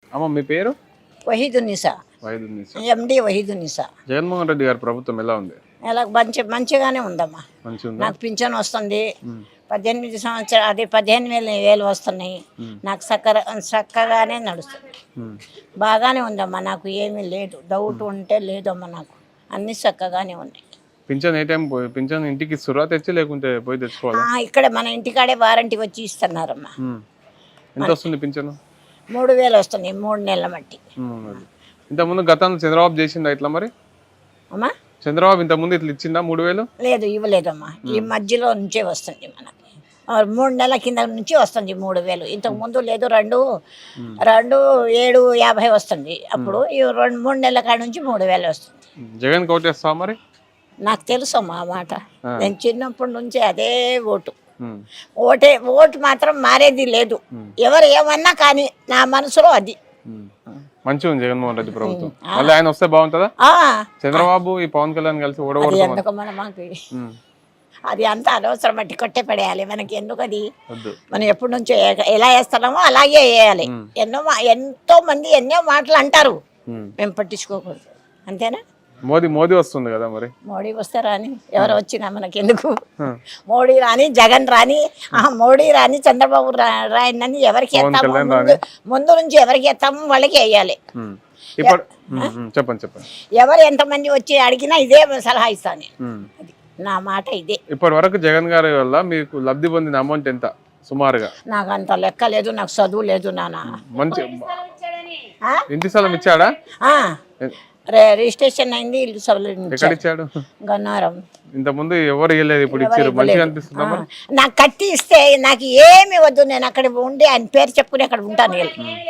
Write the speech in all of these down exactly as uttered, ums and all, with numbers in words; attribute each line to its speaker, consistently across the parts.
Speaker 1: అమ్మ మీ పేరు?
Speaker 2: వహీదునిసా,
Speaker 1: వైద్యునిసా.
Speaker 2: ఎండి వహీదునిసా.
Speaker 1: జగన్మోహన్ రెడ్డి గారి ప్రభుత్వం ఎలా ఉంది?
Speaker 2: ఎలా మంచి మంచిగానే ఉందమ్మా.
Speaker 1: మంచిగా ఉందా?
Speaker 2: నాకు పింఛన్ వస్తుంది, పద్దెనిమిది సంవత్సరాలు అదే పదిహేను వేలు వేలు వస్తున్నాయి. నాకు చక్కర చక్కగానే నడుస్తుంది, బాగానే ఉందమ్మా. నాకు ఏమీ లేదు, డౌట్ ఉంటే లేదమ్మా. నాకు అన్ని చక్కగానే ఉన్నాయి.
Speaker 1: పింఛన్ ఏ టైం పోయి పింఛన్ ఇంటికి ఇస్తురా తెచ్చి, లేకుంటే పోయి తెచ్చుకోవాలా?
Speaker 2: ఇక్కడ మన ఇంటికాడే వారంటీ వచ్చి ఇస్తున్నారమ్మా.
Speaker 1: ఎంత వస్తుంది పింఛను?
Speaker 2: మూడు వేలు వస్తుంది మూడు నెలల మట్టి.
Speaker 1: ఇంతకుముందు గతంలో చంద్రబాబు చేసిందా ఇట్లా? మరి
Speaker 2: అమ్మా
Speaker 1: చంద్రబాబు ఇంతకుముందు ఇట్లా ఇచ్చిందా మూడు వేలు?
Speaker 2: లేదు, ఇవ్వలేదమ్మా. ఈ మధ్యలో నుంచే వస్తుంది మనకి, మూడు నెలల కింద నుంచి వస్తుంది మూడు వేలు. ఇంతకు ముందు లేదు, రెండు రెండు ఏడు యాభై వస్తుంది. అప్పుడు ఈ రెండు మూడు నెలల కాడ నుంచి మూడు వేలు వస్తుంది.
Speaker 1: జగన్ కోటేస్తావా మరి?
Speaker 2: నాకు తెలుసమ్మా ఆ మాట. నేను చిన్నప్పటి నుంచి అదే ఓటు. ఓటే ఓటు మాత్రం మారేది లేదు. ఎవరు ఏమన్నా కానీ నా మనసులో అది.
Speaker 1: మంచిగా ఉంది జగన్మోహన్ రెడ్డి ప్రభుత్వం. మళ్ళీ ఆయన వస్తే బాగుంటుందా? చంద్రబాబు ఈ పవన్ కళ్యాణ్ కలిసి ఓడగొడతారు
Speaker 2: ఎందుకు మన మాకు అది అంత అనవసరం, బట్టి కొట్టే పడేయాలి. మనకి ఎందుకు అది? మనం ఎప్పటి నుంచో ఎలా వేస్తున్నామో అలాగే వేయాలి. ఎన్నో ఎంతో మంది ఎన్నో మాటలు అంటారు, మేము పట్టించుకోకూడదు. అంతేనా?
Speaker 1: మోదీ మోదీ వస్తుంది కదా మరి.
Speaker 2: మోడీ వస్తే రాని, ఎవరు వచ్చినా మనకి ఎందుకు? మోడీ రాని, జగన్ రాని, మోడీ రాని, చంద్రబాబు రాయని ఎవరికి ఎత్తాము, ముందు ముందు నుంచి ఎవరికి ఎత్తాము వాళ్ళకి వేయాలి.
Speaker 1: చెప్పండి చెప్పండి.
Speaker 2: ఎవరు ఎంతమంది వచ్చి అడిగినా ఇదే సలహా ఇస్తాను. అది నా మాట ఇదే.
Speaker 1: ఇప్పటి వరకు జగన్ గారి వల్ల మీకు లబ్ధి పొందిన అమౌంట్ ఎంత సుమారుగా?
Speaker 2: నాకు అంత లెక్క లేదు, నాకు చదువు లేదు నాన్న.
Speaker 1: మంచి ఇంటి స్థలం ఇచ్చాడా?
Speaker 2: రిజిస్ట్రేషన్ అయింది, ఇల్లు
Speaker 1: ఎక్కడ ఇచ్చాడు?
Speaker 2: గన్నారం.
Speaker 1: ఇంత ముందు ఎవరు ఇవ్వలేదు, ఇప్పుడు ఇచ్చారు. మంచిగా అనిపిస్తుందా?
Speaker 2: నాకు కట్టి ఇస్తే నాకు ఏమి వద్దు, నేను అక్కడ ఉండి ఆయన పేరు చెప్పుకుని అక్కడ ఉంటాను.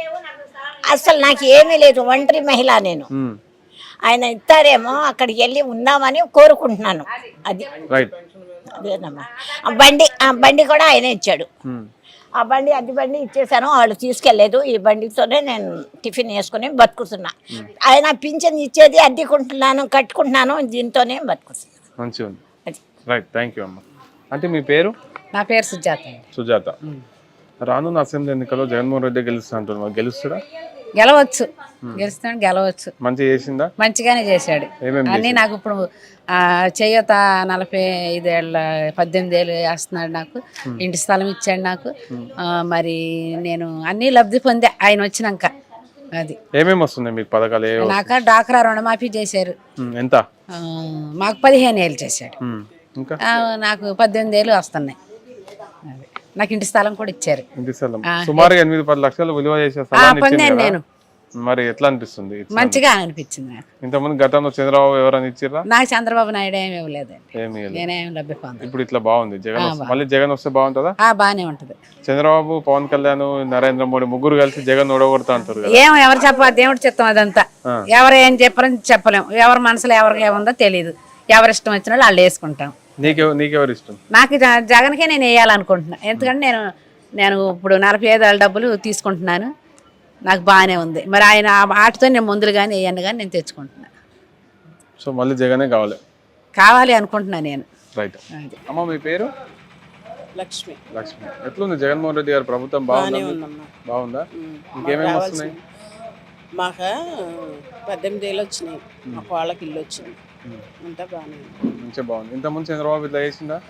Speaker 2: అసలు నాకు ఏమీ లేదు, ఒంటరి మహిళ నేను. ఆయన ఇస్తారేమో అక్కడికి వెళ్ళి ఉందామని కోరుకుంటున్నాను. అది అదేనమ్మా. ఆ బండి ఆ బండి కూడా ఆయన ఇచ్చాడు. ఆ బండి అద్దె బండి ఇచ్చేసాను, వాళ్ళు తీసుకెళ్లేదు. ఈ బండితోనే నేను టిఫిన్ వేసుకుని బతుకుతున్నా. ఆయన పింఛన్ ఇచ్చేది అద్దెకుంటున్నాను, కట్టుకుంటున్నాను, దీంతోనే బతుకుతున్నాను.
Speaker 1: మంచిగా ఉంది. రైట్, థ్యాంక్ యూ అమ్మ. అంటే మీ పేరు?
Speaker 2: నా పేరు సుజాత.
Speaker 1: సుజాత. రానున్న అసెంబ్లీ ఎన్నికల్లో జగన్మోహన్ రెడ్డి గెలుస్తా అంటున్నారు, గెలుస్తాడా?
Speaker 3: గెలవచ్చు, గెలుస్తాడు, గెలవచ్చు.
Speaker 1: మంచిగా చేసిందా?
Speaker 3: మంచిగానే చేశాడు అన్ని. నాకు ఇప్పుడు చేయూత నలభై ఐదేళ్ళ పద్దెనిమిది ఏళ్ళు వేస్తున్నాడు, నాకు ఇంటి స్థలం ఇచ్చాడు నాకు. మరి నేను అన్ని లబ్ధి పొందే ఆయన వచ్చినాక. అది
Speaker 1: ఏమేమి వస్తున్నాయి మీకు పథకాలు?
Speaker 3: నాకు డాక్రా రుణమాఫీ చేశారు.
Speaker 1: ఎంత?
Speaker 3: మాకు పదిహేను ఏళ్ళు చేశాడు,
Speaker 1: ఇంకా
Speaker 3: నాకు పద్దెనిమిది ఏళ్ళు వస్తున్నాయి. నాకు ఇంటి స్థలం కూడా ఇచ్చారు.
Speaker 1: ఇంటి స్థలం సుమారుగా ఎనిమిది పది లక్షలు విలువ చేసే
Speaker 3: పొందాను నేను.
Speaker 1: మరి ఎట్లా అనిపిస్తుంది?
Speaker 3: మంచిగా అనిపించింది నాకు.
Speaker 1: ఇంతకుముందు గతంలో చంద్రబాబు ఎవరైనా ఇచ్చిరా?
Speaker 3: నాకు చంద్రబాబు నాయుడు ఏమి ఇవ్వలేదండి,
Speaker 1: ఏమి
Speaker 3: నేనేం లభ్య పొందాను.
Speaker 1: ఇప్పుడు ఇట్లా బాగుంది జగన్. మళ్ళీ జగన్ వస్తే బాగుంటుందా?
Speaker 3: బాగానే ఉంటది.
Speaker 1: చంద్రబాబు, పవన్ కళ్యాణ్, నరేంద్ర మోడీ ముగ్గురు కలిసి జగన్ ఓడగొడతా అంటారు కదా.
Speaker 3: ఏమో ఎవరు చెప్పాలి, దేవుడు చెప్తాం. అదంతా ఎవరు ఏం చెప్పరని చెప్పలేము. ఎవరి మనసులో ఎవరికి ఏముందో తెలియదు. ఎవరి ఇష్టం వచ్చిన వాళ్ళు వాళ్ళు వేసుకుంటాం.
Speaker 1: నీకె నీకెవరు ఇష్టం?
Speaker 3: నాకు జగన్కే నేను వేయాలనుకుంటున్నా. ఎందుకంటే నేను నేను ఇప్పుడు నలభై ఐదు ఏళ్ళ డబ్బులు తీసుకుంటున్నాను, నాకు బాగానే ఉంది. మరి ఆయన ఆటతో నేను ముందులు కానీ వేయను కానీ నేను తెచ్చుకుంటున్నా.
Speaker 1: సో మళ్ళీ జగనే కావాలి
Speaker 3: కావాలి అనుకుంటున్నా నేను.
Speaker 1: రైట్. అమ్మ మీ పేరు?
Speaker 4: లక్ష్మి.
Speaker 1: లక్ష్మి. ఎట్లుంది జగన్మోహన్ రెడ్డి గారి ప్రభుత్వం? బాగుందా? బాగుందా? ఇంకేమేమి వస్తున్నాయి?
Speaker 4: మాకు పద్దెనిమిది ఏళ్ళు వచ్చినాయి, మాకు వాళ్ళకి ఇల్లు వచ్చింది, అంతా బాగానే
Speaker 1: మంచిగా బాగుంది. ఇంతకుముందు చంద్రబాబు ఇట్లా చేసిందా?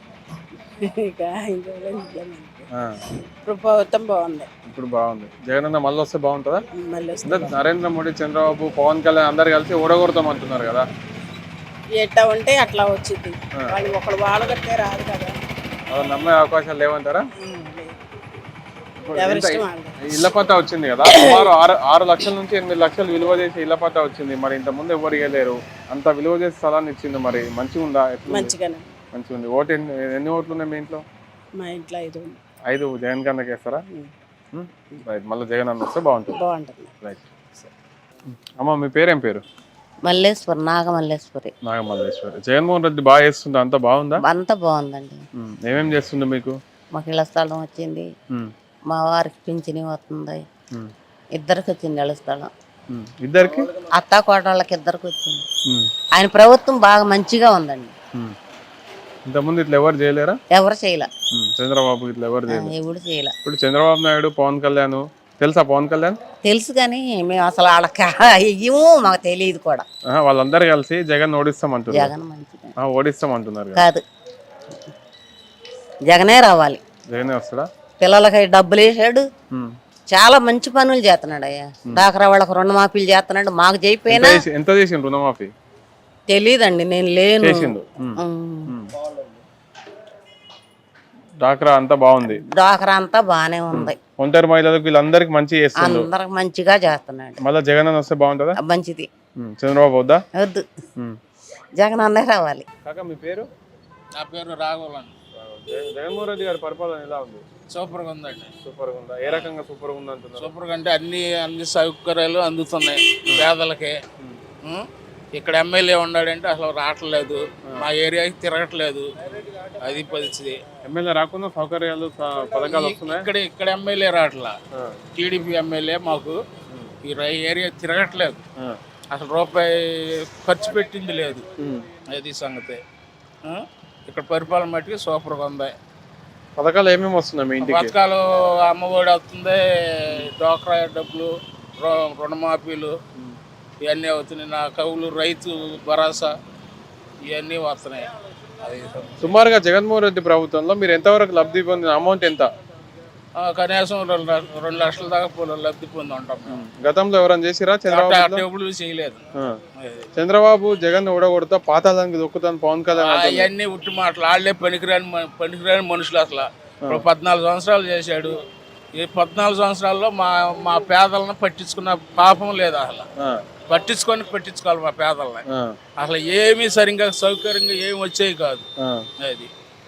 Speaker 4: ఇప్పుడు ప్రభుత్వం బాగుంది.
Speaker 1: ఇప్పుడు బాగుంది. జగన్ అన్న మళ్ళీ వస్తే బాగుంటుందా? నరేంద్ర మోడీ, చంద్రబాబు, పవన్ కళ్యాణ్ అందరు కలిసి ఓడగొడతాం అంటున్నారు కదా.
Speaker 4: ఎట్లా ఉంటే అట్లా వచ్చింది. వాళ్ళు ఒకళ్ళు వాళ్ళు కట్టే రాదు కదా,
Speaker 1: నమ్మే అవకాశాలు లేవంటారా? ఇళ్ల పట్టా వచ్చింది కదా, సుమారు ఆరు ఆరు లక్షల నుంచి ఎనిమిది లక్షలు విలువ చేసి ఇళ్ల పట్టా వచ్చింది. మరి ఇంత ముందు ఎవరు ఇవ్వలేరు, అంత విలువ చేసి స్థలాన్ని ఇచ్చింది. మరి మంచిగా ఉందా?
Speaker 4: మంచిగానే
Speaker 1: మంచిగా ఉంది. ఓటు ఎన్ని ఎన్ని ఓట్లు ఉన్నాయి మీ ఇంట్లో?
Speaker 4: మా ఇంట్లో ఐదు.
Speaker 1: ఐదు జగన్ కన్నా వేస్తారా? రైట్. మళ్ళీ జగన్ అన్న వస్తే బాగుంటుంది.
Speaker 4: బాగుంటుంది.
Speaker 1: రైట్. అమ్మ మీ పేరేం పేరు?
Speaker 5: మల్లేశ్వరి, నాగమల్లేశ్వరి.
Speaker 1: నాగమల్లేశ్వరి. జగన్మోహన్ రెడ్డి బాగా చేస్తుందా? అంతా బాగుందా?
Speaker 5: అంతా బాగుందండి.
Speaker 1: ఏమేమి చేస్తుండే మీకు?
Speaker 5: మాకు ఇళ్ల స్థలం వచ్చింది, మా వారికి పింఛని వస్తుంది, ఇద్దరికి వచ్చింది ఇళ్ల స్థలం.
Speaker 1: ఇద్దరికి?
Speaker 5: అత్తా కోడళ్ళకి ఇద్దరికి వచ్చింది. ఆయన ప్రభుత్వం బాగా మంచిగా ఉందండి.
Speaker 1: ఇంతకుముందు ఇట్లా ఎవరు చేయలేరా?
Speaker 5: ఎవరు చేయలే.
Speaker 1: చంద్రబాబు ఇట్లా ఎవరు చేయలేదు.
Speaker 5: ఎవరు చేయలే.
Speaker 1: ఇప్పుడు చంద్రబాబు నాయుడు, పవన్ కళ్యాణ్ తెలుసా పవన్ కళ్యాణ్?
Speaker 5: తెలుసు కానీ మేము అసలు వాళ్ళకి ఇయ్యము, మాకు తెలియదు కూడా.
Speaker 1: ఆహా, వాళ్ళందరూ కలిసి జగన్ ఓడిస్తామంటున్నారు.
Speaker 5: జగన్ మంచిది
Speaker 1: ఆ, ఓడిస్తామంటున్నారు కదా.
Speaker 5: కాదు, జగనే రావాలి.
Speaker 1: జగనే వస్తాడా?
Speaker 5: పిల్లలకి డబ్బులు వేసాడు,
Speaker 1: ఉమ్.
Speaker 5: చాలా మంచి పనులు చేస్తున్నాడు అయ్యా. డాక్రా వాళ్ళకి రుణమాఫీలు చేస్తున్నాడు, మాకు
Speaker 1: ఎంత
Speaker 5: చేయిపోయినా
Speaker 1: చేసి- ఎంత చేసిండు రుణమాఫీ?
Speaker 5: తెలియదండి, నేను లేను.
Speaker 1: చేసిండు. ఉమ్.
Speaker 5: ఉమ్.
Speaker 1: డాక్రా అంతా బాగుంది.
Speaker 5: డాక్రా అంతా బాగానే ఉంది,
Speaker 1: ఒంటరి మహిళలకు వీళ్ళందరికి మంచి చేస్తుండు.
Speaker 5: అందరికి మంచిగా చేస్తున్నాడు.
Speaker 1: మళ్ళీ జగన్ అని వస్తే బాగుంటుందా?
Speaker 5: మంచిది.
Speaker 1: ఉమ్. చంద్రబాబు వద్దా?
Speaker 5: వద్దు,
Speaker 1: ఉమ్.
Speaker 5: జగన్ అన్నే రావాలి.
Speaker 1: కాకా మీ పేరు?
Speaker 6: నా పేరు రాఘవన్.
Speaker 1: జగన్- జగన్మోహన్ రెడ్డి గారి పరిపాలన ఎలా ఉంది?
Speaker 6: సూపర్గా ఉందండి.
Speaker 1: సూపర్ గా ఉందా? ఏ రకంగా సూపర్ గా ఉంది అంటున్నారు?
Speaker 6: సూపర్గా అంటే అన్ని అన్ని సౌకర్యాలు అందుతున్నాయి పేదలకి. ఉం? ఇక్కడ ఎమ్మెల్యే ఉన్నాడంటే అసలు రావట్లేదు, మా ఏరియాకి తిరగట్లేదు, అది పరిస్థితి.
Speaker 1: ఎమ్మెల్యే రాకుండా సౌకర్యాలు స- పథకాలు వస్తున్నాయి.
Speaker 6: ఇక్కడ ఇక్కడ ఎమ్మెల్యే రావట్లా, టీడీపీ ఎమ్మెల్యే మాకు ఈ రై- ఏరియా తిరగట్లేదు, అసలు రూపాయి ఖర్చు పెట్టింది లేదు, అది సంగతి. ఉం? ఇక్కడ పరిపాలన మట్టుకు సూపర్గా ఉంది.
Speaker 1: పథకాలు ఏమేమి వస్తున్నాయి మీ ఇంటికి?
Speaker 6: పథకాలు అమ్మఒడి వస్తుంది, డోక్రా డబ్బులు, రు- రుణమాఫీలు ఇవన్నీ అవుతున్నాయి. నా కవులు రైతు భరోసా ఇవన్నీ వస్తున్నాయి. అది
Speaker 1: సుమారుగా జగన్మోహన్ రెడ్డి ప్రభుత్వంలో మీరు ఎంతవరకు లబ్ధి పొందిన అమౌంట్ ఎంత?
Speaker 6: ఆ, కనీసం రెండు ల- రెండు లక్షల దాకా పొలం లబ్ధి పొంది ఉంటాం మేము.
Speaker 1: గతంలో ఎవరైనా చేసిరా చంద్రబాబు?
Speaker 6: ఎప్పుడు చేయలేదు. అది.
Speaker 1: చంద్రబాబు జగన్ ఓడగొడతా పాతాళానికి దొక్కుతాను పవన్ కళ్యాణ్ అంటున్నారు.
Speaker 6: అవన్నీ ఉట్టి మాటలు, వాళ్ళే పనికిరాని మ- పనికిరాని మనుషులు. అసలు ఇప్పుడు పద్నాలుగు సంవత్సరాలు చేశాడు, ఈ పద్నాలుగు సంవత్సరాల్లో మా మా పేదలను పట్టించుకున్న పాపం లేదు. అసలు
Speaker 1: ఆ,
Speaker 6: పట్టించుకొని పట్టించుకోవాలి మా పేదలని.
Speaker 1: ఆ,
Speaker 6: అసలు ఏమీ సరిగ్గా సౌకర్యంగా ఏమి వచ్చేవి కాదు.
Speaker 1: ఆ.
Speaker 6: అది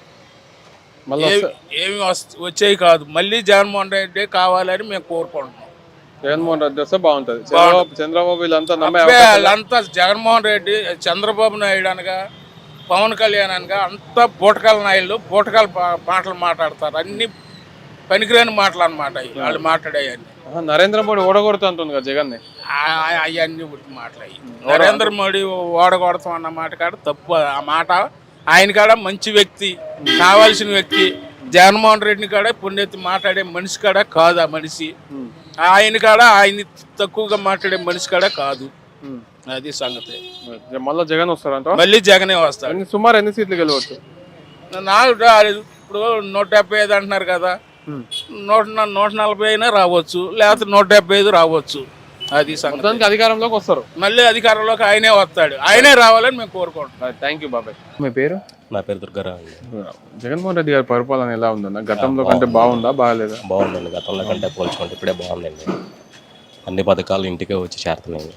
Speaker 1: మళ్ళీ
Speaker 6: ఏ- ఏమి వస్- వచ్చేవి కాదు. మళ్ళీ జగన్మోహన్ రెడ్డి కావాలని మేము కోరుకుంటున్నాం.
Speaker 1: జగన్మోహన్ రెడ్డి వస్తే బాగుంటది. చంద్రబాబు చంద్రబాబు వీళ్ళంతా నమ్మే
Speaker 6: అబ్బే,
Speaker 1: అవకాశం లేదు.
Speaker 6: వాళ్ళంతా జగన్మోహన్ రెడ్డి, చంద్రబాబు నాయుడు అనగా, పవన్ కళ్యాణ్ అనగా అంతా బూటకాల నాయుళ్ళు బూటకాల పా- మాటలు మాట్లాడతారు. అన్ని పనికిరాని మాటలు అన్నమాట వాళ్ళు మాట్లాడేవన్నీ.
Speaker 1: ఆహా, నరేంద్ర మోడీ ఓడగొడతా అంటుంది కదా జగన్ ని.
Speaker 6: అవన్నీ ఉట్టి మాటలు. నరేంద్ర మోడీ ఓడగొడతాం అన్న మాట కాడ తప్పు. ఆ మాట ఆయన కాడ మంచి వ్యక్తి, కావాల్సిన వ్యక్తి. జగన్మోహన్ రెడ్డిని కాడ పుణ్యతి మాట్లాడే మనిషి కాడ కాదు ఆ మనిషి. ఆయన కాడ ఆయన తక్కువగా మాట్లాడే మనిషి కాడ కాదు. అది సంగతి.
Speaker 1: మళ్ళీ జగన్ వస్తారంట.
Speaker 6: మళ్ళీ జగనే వస్తాడు.
Speaker 1: ఎన్ని- సుమారు ఎన్ని సీట్లు గెలవచ్చు?
Speaker 6: నాకు ఇప్పుడు నూట డెబ్బై ఐదు అంటున్నారు కదా, నూట న- నూట నలభై అయినా రావచ్చు, లేకపోతే నూట డెబ్బై ఐదు రావచ్చు. అది సంగతి.
Speaker 1: మొత్తానికి అధికారంలోకి వస్తారు.
Speaker 6: మళ్ళీ అధికారంలోకి ఆయనే వస్తాడు, ఆయనే రావాలని మేము కోరుకుంటున్నాం.
Speaker 1: థ్యాంక్ యూ బాబాయ్. మీ పేరు?
Speaker 7: నా పేరు దుర్గారావు అండి.
Speaker 1: జగన్మోహన్ రెడ్డి గారి పరిపాలన ఎలా ఉందన్న? గతంలో కంటే బాగుందా బాగాలేదా?
Speaker 7: బాగుందండి, గతంలో కంటే పోల్చుకుంటే ఇప్పుడే బాగుందండి. అన్ని పథకాలు ఇంటికే వచ్చి చేరుతున్నాయి.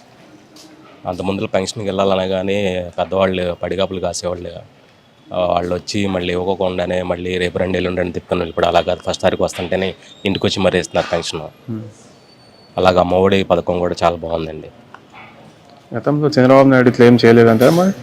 Speaker 7: అంత ముందు పెన్షన్కి వెళ్ళాలన్నా కానీ పెద్దవాళ్ళు పడిగాపులు కాసేవాళ్ళు, ఆ, వాళ్ళు వచ్చి మళ్ళీ ఇవ్వకుండానే మళ్ళీ రేపు రెండు ఎల్లుండి రెండు తిప్పుకొని ఇప్పుడు అలా కాదు, ఫస్ట్ తారీఖు వస్తుంటేనే ఇంటికి వచ్చి మరీ ఇస్తున్నారు పెన్షన్. అలాగ అమ్మఒడి పథకం కూడా చాలా బాగుందండి.
Speaker 1: గతంలో చంద్రబాబు నాయుడు ఇట్లా ఏం చేయలేదంటారా మరి?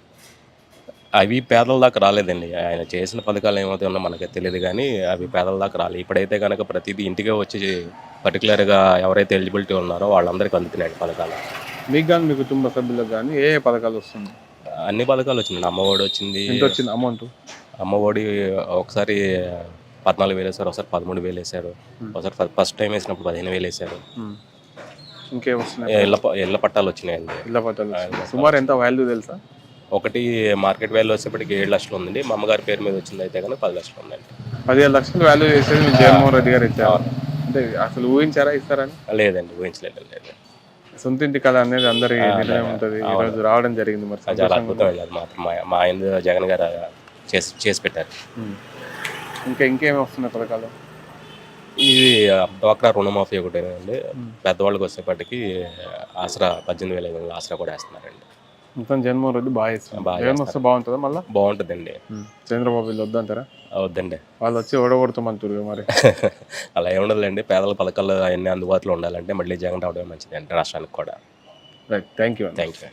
Speaker 7: అవి పేదల దాకా రాలేదండి. ఆయన చేసిన పథకాలు ఏమైతే ఉన్నా మనకి తెలియదు కానీ అవి పేదల దాకా రాలేదు. ఇప్పుడైతే కనుక ప్రతిదీ ఇంటికే వచ్చి పర్టికులర్గా ఎవరైతే ఎలిజిబిలిటీ ఉన్నారో వాళ్ళందరికీ అందుతున్నాయి పథకాలు.
Speaker 1: మీకు కానీ మీ కుటుంబ సభ్యులకు కానీ ఏ ఏ పథకాలు వస్తుంది?
Speaker 7: అన్ని పథకాలు వచ్చింది. అమ్మఒడి వచ్చింది.
Speaker 1: ఎంత వచ్చింది అమౌంట్?
Speaker 7: అమ్మఒడి ఒకసారి పద్నాలుగు వేలు వేసారు, ఒకసారి పదమూడు వేలు వేసారు, ఒకసారి ఫస్ట్ టైం వేసినప్పుడు పదిహేను వేలు వేసారు.
Speaker 1: ఇంకేం వస్తున్నాయి?
Speaker 7: ఇళ్ళ ప- ఇళ్ళ పట్టాలు వచ్చినాయండి.
Speaker 1: ఇళ్ళ పట్టాలు వస్తున్నాయి. సుమారు ఎంత వాల్యూ తెలుసా?
Speaker 7: ఒకటి మార్కెట్ వాల్యూ వచ్చేప్పటికి ఏడు లక్షలు ఉందండి. మా అమ్మగారి పేరు మీద వచ్చింది అయితే కనుక పది లక్షలు ఉందండి.
Speaker 1: పదిహేను లక్షలు వాల్యూ చేసేది మీ జగన్మోహన్ రెడ్డి గారు ఇచ్చారు. అంటే అసలు ఊహించారా ఇస్తారని?
Speaker 7: లేదండి, ఊహించలేదు. లేదు,
Speaker 1: సొంత ఇంటి కళ అనేది అందరి నిర్ణయం ఉంటుంది. ఈ రోజు రావడం జరిగింది. మరి
Speaker 7: అది చాలా అద్భుతం అండి. అది మాత్రం మా మా ఆయన జగన్ గారు చేసి చేసి పెట్టారు.
Speaker 1: ఇంకా ఇంకేమి వస్తున్నాయి పథకాలు?
Speaker 7: ఇది డ్వాక్రా రుణమాఫీ ఒకటేనండి. పెద్దవాళ్ళకి వచ్చేప్పటికి ఆసరా పద్దెనిమిది వేల ఐదు వందల ఆసరా కూడా వేస్తున్నారండి.
Speaker 1: మొత్తం జగన్మోహన్ రెడ్డి బాగా ఇస్తున్నారు.
Speaker 7: బాగా
Speaker 1: జగన్ వస్తే బాగుంటుందా? మళ్ళీ
Speaker 7: బాగుంటుందండి.
Speaker 1: చంద్రబాబు వీళ్ళు వద్దంటారా?
Speaker 7: వద్దండి,
Speaker 1: వాళ్ళు వచ్చి ఓడగొడతామంటారు మరి.
Speaker 7: అలా ఏముండదులేండి. పేదల పథకాలు అవన్నీ అందుబాటులో ఉండాలంటే మళ్ళీ జగన్ రావడమే మంచిది అండి రాష్ట్రానికి కూడా.
Speaker 1: Right, thank you.
Speaker 7: Thank you.